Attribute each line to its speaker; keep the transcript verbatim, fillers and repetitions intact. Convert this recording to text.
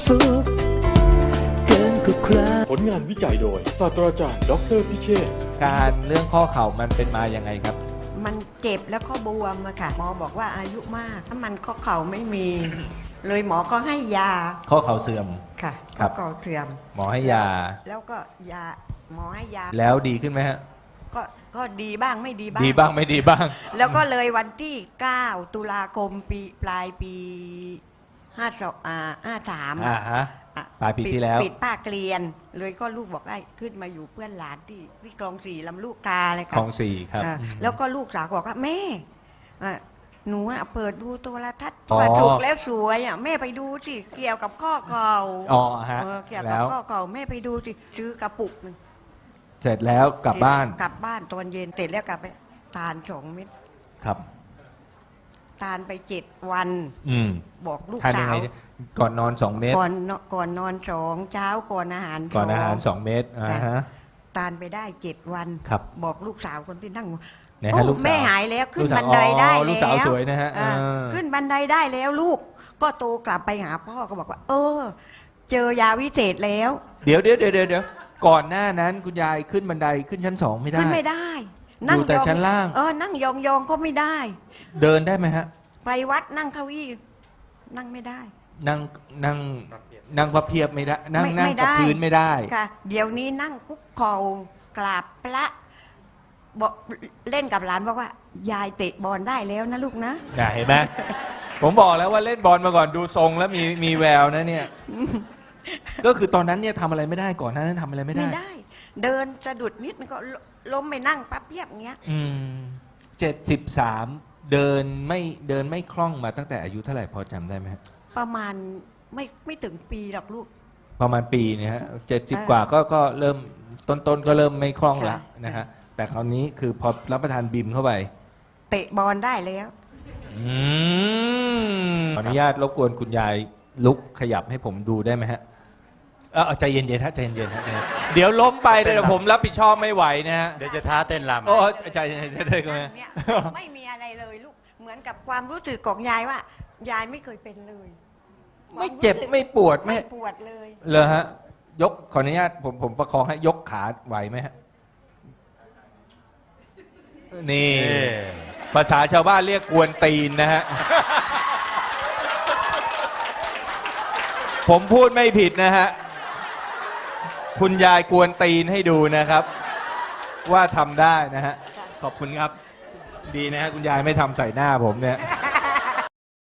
Speaker 1: สุขเกินกว่าใคร
Speaker 2: ผลงานวิจัยโดยศาสตราจารย์ดอกเตอรพิเชษฐ์
Speaker 3: การเรื่องข้อเข่ามันเป็นมาอย่างไงครับ
Speaker 4: มันเจ็บแล้วก็บวมอะค่ะหมอบอกว่าอายุมากถ้ามันข้อเข่าไม่มี เลยหมอก็ให้ยา
Speaker 3: ข้อเข่าเสื่อม
Speaker 4: ค่ะ
Speaker 3: ครั
Speaker 4: ข้อบ เข่าเสื่อม
Speaker 3: หมอให้ยา
Speaker 4: แล้วก็ยาหมอให้ยา
Speaker 3: แล้วดีขึ้นไหมฮะ
Speaker 4: ก็ก็ดีบ้างไม่ดีบ้าง
Speaker 3: ดีบ้างไม่ดีบ้าง
Speaker 4: แล้วก็เลยวันที่เก้าตุลาคมปีปลายปีห้าสองอ่าห้าสาม
Speaker 3: อ่าฮะ ปลายปีที่แล้ว
Speaker 4: ปิดป้าเกลียน เลยก็ลูกบอกได้ขึ้นมาอยู่เพื่อนหลานที่ที่คลองสี่ลำลูกกาเลย
Speaker 3: ค
Speaker 4: ค่ะ
Speaker 3: ลองสี่ครับ
Speaker 4: อ่าแล้วก็ลูกสาวบอกว่าแม่อ่ะหนูอะเปิดดูโทรทัศน์
Speaker 3: อ๋อ
Speaker 4: ว่าถูกแล้วสวยอ่ะแม่ไปดูสิเกี่ยวกับข้อเข่า
Speaker 3: อ๋อฮะ
Speaker 4: เออเกี่ยวกั
Speaker 3: แล้
Speaker 4: บ
Speaker 3: ว
Speaker 4: ข้อเข่าแม่ไปดูสิซื้อกระปุกหนึ่ง
Speaker 3: เสร็จแล้วกลับบ้าน
Speaker 4: กลับบ้านตอนเย็นเสร็จแล้วกลับไปทานสองเม็ด
Speaker 3: ครับ
Speaker 4: ทานไปเจ็ดวัน
Speaker 3: อืม
Speaker 4: บอกลูก
Speaker 3: ทานยั
Speaker 4: สาง ว
Speaker 3: ไงก่อนนอนสองเม็ด
Speaker 4: ก่อนนอนก่อนนอนสองเช้าก่อนอาหาร
Speaker 3: ก่อนอาหาร
Speaker 4: ส
Speaker 3: ส
Speaker 4: อง
Speaker 3: องเม็ดอ่าฮะ
Speaker 4: ทานไปได้เจ็ดวัน
Speaker 3: ครับ
Speaker 4: บอกลูกสาวคนที่นั่ง
Speaker 3: ไหนฮะ
Speaker 4: โอ้
Speaker 3: ลูกสาว
Speaker 4: แม่หายแล้วขึ้
Speaker 3: ลู
Speaker 4: น
Speaker 3: กสาว
Speaker 4: บันไดได้
Speaker 3: อ๋อ
Speaker 4: แล้ว
Speaker 3: ลูกสาวสวยนะฮะ
Speaker 4: อ่า
Speaker 3: เออ
Speaker 4: ขึ้นบันไดได้แล้วลูก ก็โตกลับไปหาพ่อก็บอกว่า เออ เจอยาวิเศษแล้ว
Speaker 3: เดี๋ยวเดี๋ยวเดี๋ยวเดี๋ยวก่อนหน้านั้นคุณยายขึ้นบันไดขึ้นชั้นสองไม่ได้
Speaker 4: ขึ้นไม่ได้
Speaker 3: อยู่แต่
Speaker 4: ยอง
Speaker 3: ชั้นล่าง
Speaker 4: เออนั่งยองยองๆก็ไม่ได้
Speaker 3: เดินได้ไหมฮะ
Speaker 4: ไปวัดนั่งเก้าอี้นั่งไม่ได้
Speaker 3: นั่งนั่งนั่งพับเพียบไม่ได้ นั่ง
Speaker 4: ไม่
Speaker 3: นั่ง
Speaker 4: ไม่
Speaker 3: กับ
Speaker 4: ได้
Speaker 3: พื้นไม่ได้
Speaker 4: ค่ะ เดี๋ยวนี้นั่งคุกเข่ากราบพระบอกเล่นกับหลานบอกว่า ยายเตะบอลได้แล้วนะลูกนะ
Speaker 3: น่ะเห็นไหม ผมบอกแล้วว่าเล่นบอลมาก่อนดูทรงแล้วมีมีแววนะเนี่ย ก็คือตอนนั้นเนี่ยทำอะไรไม่ได้ก่อนหนานั้นทำอะไรไม่ได้
Speaker 4: ไม่ได้ เดินสะดุดนิดมันก็ล้มไปนั่งปั๊บเพียบเงี้ย
Speaker 3: อืมเจ็ดสิบสามเดินไม่เดินไม่คล่องมาตั้งแต่อายุเท่าไหร่พอจำได้ไหมครับ
Speaker 4: ประมาณไม่ไม่ถึงปีหรอกลูก
Speaker 3: ประมาณปีเนี่ยฮะเจ็ดสิบ
Speaker 4: อ่า
Speaker 3: กว่าก็ก็เริ่มต้นต้นๆก็เริ่มไม่คล่องละ
Speaker 4: ค่ะ
Speaker 3: นะฮะแต่คราวนี้คือพอรับประทานบิมเข้าไป
Speaker 4: เตะบอลได้แล้ว
Speaker 3: อืมขออนุญาตรบกวนคุณยายลุกขยับให้ผมดูได้ไหมฮะเออใจเย็นๆฮะใจเย็นๆฮะใจเย็นๆเดี๋ยวล้มไปเดี๋ยวผมรับผิดชอบไม่ไหวนะฮะ
Speaker 5: เดี๋ยวจะท้าเต้นรำ
Speaker 3: โอ้ใจเย็นๆได้ก็ไหม
Speaker 4: เนี่ยไม่มีอะไรเลยลูก เหมือนกับความรู้สึกของยายว่า ยายไม่เคยเป็นเลย
Speaker 3: ไม่เจ็บไม่ปวดไม่
Speaker 4: ไม่ปวดเลย
Speaker 3: เลยฮะยกขออนุญาตผมผมประคองให้ยกขาไหวไหมฮะนี่
Speaker 5: นี่
Speaker 3: ภาษาชาวบ้านเรียกกวนตีนนะฮะ ผมพูดไม่ผิดนะฮะ คุณยายกวนตีนให้ดูนะครับ ว่าทำได้นะฮะ ขอบคุณครับ ดีนะฮะ คุณยายไม่ทำใส่หน้าผมเนี่ย